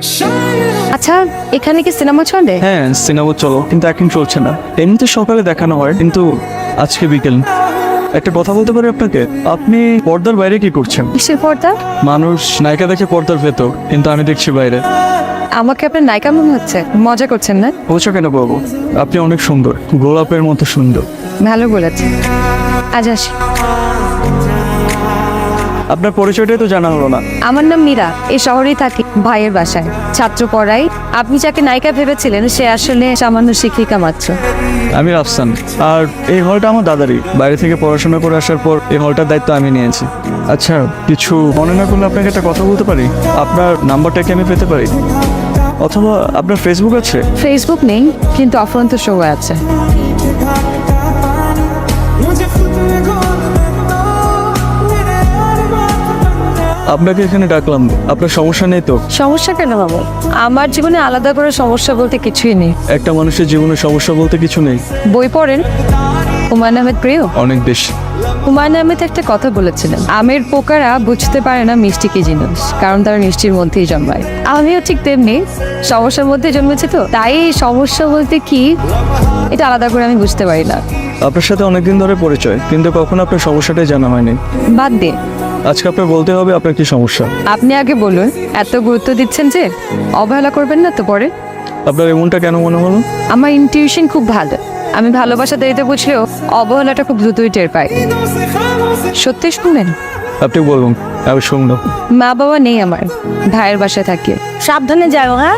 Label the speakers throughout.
Speaker 1: আচ্ছা, এখানে কি সিনেমা চলে?
Speaker 2: হ্যাঁ, সিনেমা চলো, কিন্তু এখন চলছে না। এমনিতে সকালে দেখানো হয়, কিন্তু আজকে বিকেল। একটা কথা বলতে পারি আপনাকে? আপনি পর্দার বাইরে কি করছেন?
Speaker 1: কিসের পর্দা?
Speaker 2: মানুষ নায়িকা দেখে পর্দার ভেতর, কিন্তু আমি দেখছি বাইরে।
Speaker 1: আমাকে আপনার নায়িকা মনে হচ্ছে, মজা করছেন না?
Speaker 2: বলছো কেন বাবু? আপনি অনেক সুন্দর, গোলাপের মতো সুন্দর।
Speaker 1: ভালো বলেছেন। আজ আসি।
Speaker 2: আপনার পরিচয়টাই তো জানা হলো না।
Speaker 1: আমার নাম মীরা, এই শহরেই থাকি, ভাইয়ের বাসায় ছাত্র পড়াই। আপনি যাকে নায়িকা ভেবেছিলেন সে আসলে সামান্য শিক্ষিকা মাত্র।
Speaker 2: আমি রাফসান, আর এই হলটা আমার দাদারই। বাইরে থেকে পড়াশোনা করে আসার পর এই হলটার দায়িত্ব আমি নিয়েছি। আচ্ছা, কিছু মনে না করলে আপনাকে একটা কথা বলতে পারি? আপনার নাম্বারটা কি আমি পেতে পারি? অথবা আপনার ফেসবুক আছে?
Speaker 1: ফেসবুক নেই, কিন্তু অফুরন্ত সময় আছে।
Speaker 2: আপনাকে এখানে ডাকলাম, আপনার সমস্যা নেই তো?
Speaker 1: সমস্যা কেন বাবু? আমার জীবনে আলাদা করে সমস্যা বলতে কিছুই নেই।
Speaker 2: একটা মানুষের জীবনে সমস্যা বলতে কিছু নেই।
Speaker 1: বই পড়েন? হুমায়ুন আহমেদ প্রিয়?
Speaker 2: অনেক বেশি।
Speaker 1: হুমায়ুন আহমেদ একটা কথা বলেছিলেন, আমের পোকারা বুঝতে পারে না মিষ্টি কি জিনিস, কারণ তারা মিষ্টির মধ্যেই জন্মায়। আমিও ঠিক তেমনি সমস্যার মধ্যে জন্মেছি, তো তাই সমস্যা বলতে কি এটা আলাদা করে আমি বুঝতে পারি না।
Speaker 2: আপনার সাথে অনেকদিন ধরে পরিচয়, কিন্তু কখনো আপনার সমস্যাটাই জানা হয়নি।
Speaker 1: বাদ দিন,
Speaker 2: আজকে আপনার বলতে হবে আপনার কি সমস্যা।
Speaker 1: আপনি আগে বলুন। এত গুরুত্ব দিচ্ছেন যে, অবহেলা করবেন না তো পরে।
Speaker 2: আপনার এমনটা কেন মনে হলো?
Speaker 1: আমার ইনটিউশন খুব ভালো। আমি ভালোবাসা দেরিতে বুঝলেও অবহেলাটা খুব দ্রুতই টের পাই। সত্যি শুনবেন?
Speaker 2: আপনি বলুন, আমি শুনলাম।
Speaker 1: মা বাবা নেই আমার, ভাইয়ের বাসায় থাকি।
Speaker 3: সাবধানে যাও। হ্যাঁ,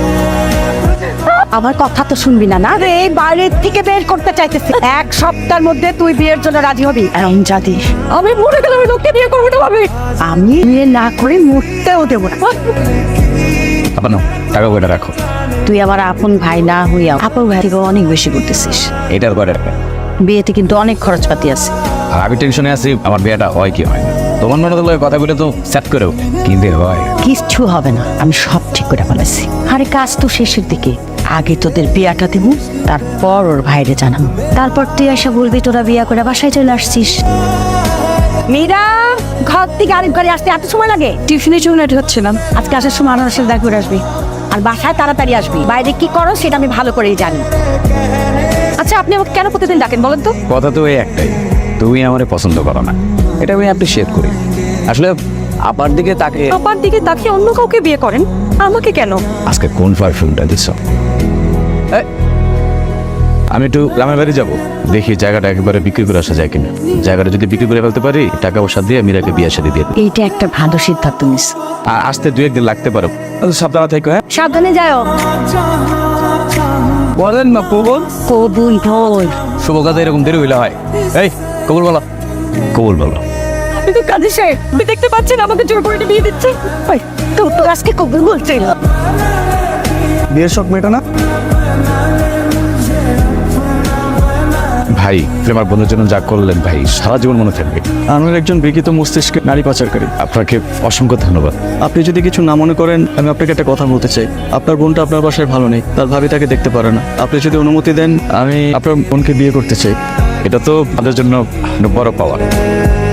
Speaker 3: আমার কথা তো শুনবি না? না রে, বাইরের থেকে বের করতে চাইতেছি। এক সপ্তাহের মধ্যে তুই বিয়ের জন্য রাজি হবি। এমন জাতি আমি মরে গেলে আমি লোককে বিয়ে করবো না ভাবি। আমি বিয়ে না করে মরতেও দেবো না।
Speaker 4: আপনার টাকা কয়টা রাখো।
Speaker 3: তুই আমার আপন ভাই না হইয়া আপন ভাই থেকে অনেক বেশি করতেছিস।
Speaker 4: এটার কয়টা রাখবে?
Speaker 3: বিয়েতে কিন্তু অনেক খরচপাতি আছে।
Speaker 4: আর আমি টেনশনে আছি আমার বিয়েটা হয় কি হয় না। তোমার মনে হলো কথা বলে তো সেট করেও কিন্তু হয়
Speaker 3: কিচ্ছু হবে না, আমি সব ঠিক করে ফেলেছি। আরে কাজ তো শেষের দিকে, আগে তোদের বিয়াটা দিব, তারপর ওর ভাইরে জানাবো। তারপর তুই এসে বলবি তোরা বিয়া করে বাসায় চলে আসছিস। মীরা, ঘর থেকে আরেক ঘরে আসতে এত সময় লাগে?
Speaker 1: টিউশনের জন্য রেডি হচ্ছিলাম।
Speaker 3: আজকে আসার সময় আমার সাথে দেখা করে আসবি, আর বাসায় তাড়াতাড়ি আসবি। বাইরে কি করো সেটা আমি ভালো করেই জানি।
Speaker 1: আচ্ছা, আপনি আমাকে কেন প্রতিদিন ডাকেন বলেন তো?
Speaker 4: কথা তো এই একটাই, তুমি আমারে পছন্দ করো না। এটা আমি অ্যাপ্রিসিয়েট করি। আসলে আপার দিকে তাকে
Speaker 1: আপার দিকে তাকিয়ে অন্য কাউকে বিয়ে করেন, আমাকে কেন?
Speaker 4: আজকে কোন পারফিউমটা দিচ্ছ? আমি একটু গ্রামের বাড়ি যাবো, দেখি জায়গাটা একেবারে বিক্রি করে আসা যায় কিনা। জায়গাটা যদি বিক্রি করে ফেলতে পারি, টাকা পয়সা দিয়ে মীরাকে বিয়ে শাদী দিয়ে দিই।
Speaker 3: এইটা একটা ভালো সিদ্ধান্ত নিস।
Speaker 4: আর আসতে 2-1 দিন লাগতে পারো। সাবধানে থেকো। হ্যাঁ,
Speaker 3: সাবধানে যাও।
Speaker 4: বলেন না কবুল।
Speaker 3: কবুল বল।
Speaker 4: শুভ কাজে এরকম দেরি হইলে হয়। এই কবুল বলো, কবুল বলো।
Speaker 3: আপনি তো কাজী সাহেব, আপনি দেখতে পাচ্ছেন আমাকে জোর করে বিয়ে দিচ্ছে। তো তো আজকে কবুল বলছে।
Speaker 2: বিয়ের শখ মেটা না?
Speaker 4: ভাই, প্রেমার বন্ধুর জন্য যা করলেন ভাই, সারা জীবন মনে থাকবে।
Speaker 2: আমার একজন বিকৃত মস্তিষ্কের নারী পাচারকারী।
Speaker 4: আপনাকে অসংখ্য ধন্যবাদ।
Speaker 2: আপনি যদি কিছু না মনে করেন, আমি আপনাকে একটা কথা বলতে চাই। আপনার বোনটা আপনার বাসায় ভালো নেই, তার ভাবি তাকে দেখতে পারে না। আপনি যদি অনুমতি দেন, আমি আপনার বোনকে বিয়ে করতে চাই।
Speaker 4: এটা তো আমাদের জন্য বড় পাওয়া।